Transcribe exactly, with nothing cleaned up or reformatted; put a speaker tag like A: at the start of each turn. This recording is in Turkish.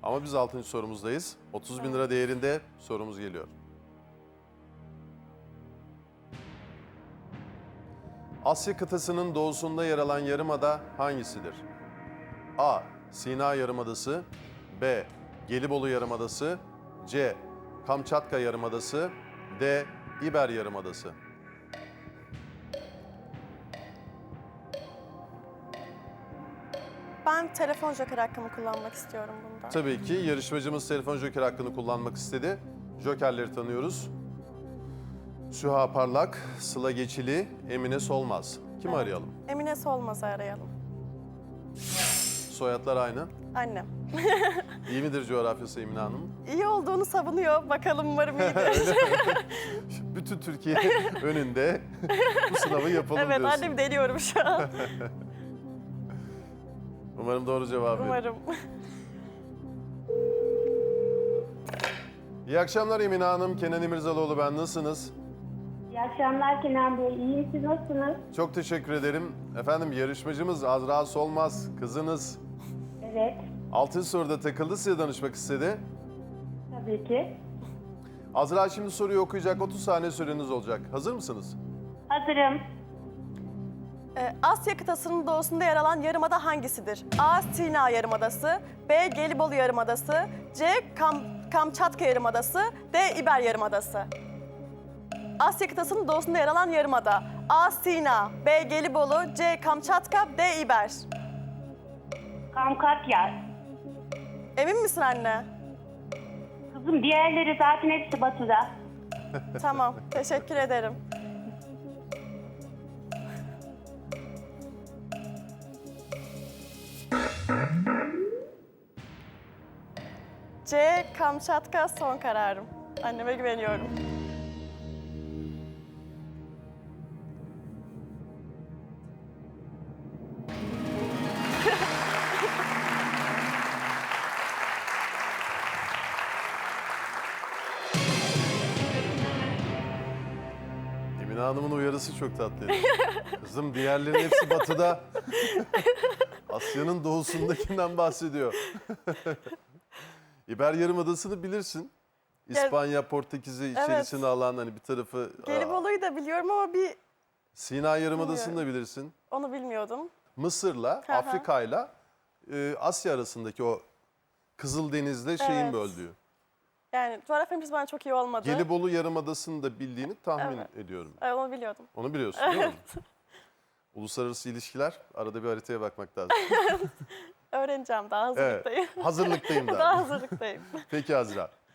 A: Ama biz altıncı sorumuzdayız. otuz bin lira değerinde sorumuz geliyor. Asya kıtasının doğusunda yer alan yarımada hangisidir? A. Sina Yarımadası, B. Gelibolu Yarımadası, C. Kamçatka Yarımadası, D. İber Yarımadası.
B: Ben telefon joker hakkımı kullanmak istiyorum bunda.
A: Tabii ki yarışmacımız telefon joker hakkını kullanmak istedi. Jokerleri tanıyoruz. Süha Parlak, Sıla Geçili, Emine Solmaz. Kimi
B: Evet.
A: arayalım?
B: Emine Solmaz'ı arayalım.
A: Soyadlar aynı.
B: Annem.
A: İyi midir coğrafyası Emine Hanım?
B: İyi olduğunu savunuyor. Bakalım umarım iyidir.
A: Bütün Türkiye önünde bu sınavı yapalım
B: Evet,
A: diyorsun.
B: annemi deniyorum şu an.
A: Umarım doğru cevap verir.
B: Umarım.
A: İyi akşamlar Emine Hanım, Kenan İmirzalıoğlu ben. Nasılsınız?
C: İyi akşamlar Kenan Bey. İyiyim, siz nasılsınız?
A: Çok teşekkür ederim. Efendim yarışmacımız Azra Solmaz, kızınız.
C: Evet,
A: Altıncı soruda takıldı, size danışmak istedi.
C: tabii ki.
A: Azra şimdi soruyu okuyacak, otuz saniye süreniz olacak. Hazır mısınız?
C: Hazırım.
B: Ee, Asya kıtasının doğusunda yer alan yarımada hangisidir? A. Sina Yarımadası, B. Gelibolu Yarımadası, C. Kam Kamçatka Yarımadası, D. İber Yarımadası. Asya kıtasının doğusunda yer alan yarımada. A. Sina, B. Gelibolu, C. Kamçatka, D. İber.
C: Kamkatya.
B: Emin misin anne?
C: Kızım diğerleri zaten hepsi batıda.
B: Tamam, teşekkür ederim. C. Kamçatka son kararım. Anneme güveniyorum.
A: Emine Hanım'ın uyarısı çok tatlıydı. Kızım diğerlerin hepsi batıda. Asya'nın doğusundakinden bahsediyor. İber Yarımadası'nı bilirsin. İspanya, Portekiz'i içerisine alan hani bir tarafı...
B: Gelibolu'yu da biliyorum ama bir
A: Sina Yarımadası'nı da bilirsin.
B: onu bilmiyordum.
A: Mısır'la,
B: Hı hı.
A: Afrika'yla e, Asya arasındaki o Kızıldeniz'le şeyin
B: Evet.
A: böldüğü.
B: Yani coğrafyam bana çok iyi olmadı.
A: Gelibolu Yarımadası'nı da bildiğini tahmin
B: Evet.
A: ediyorum.
B: Evet, onu biliyordum.
A: Onu biliyorsun değil mi? Uluslararası ilişkiler, arada bir haritaya bakmak lazım.
B: Öğreneceğim, daha hazırlıktayım.
A: Evet, hazırlıktayım
B: Daha
A: daha.
B: hazırlıktayım.
A: Peki Azra.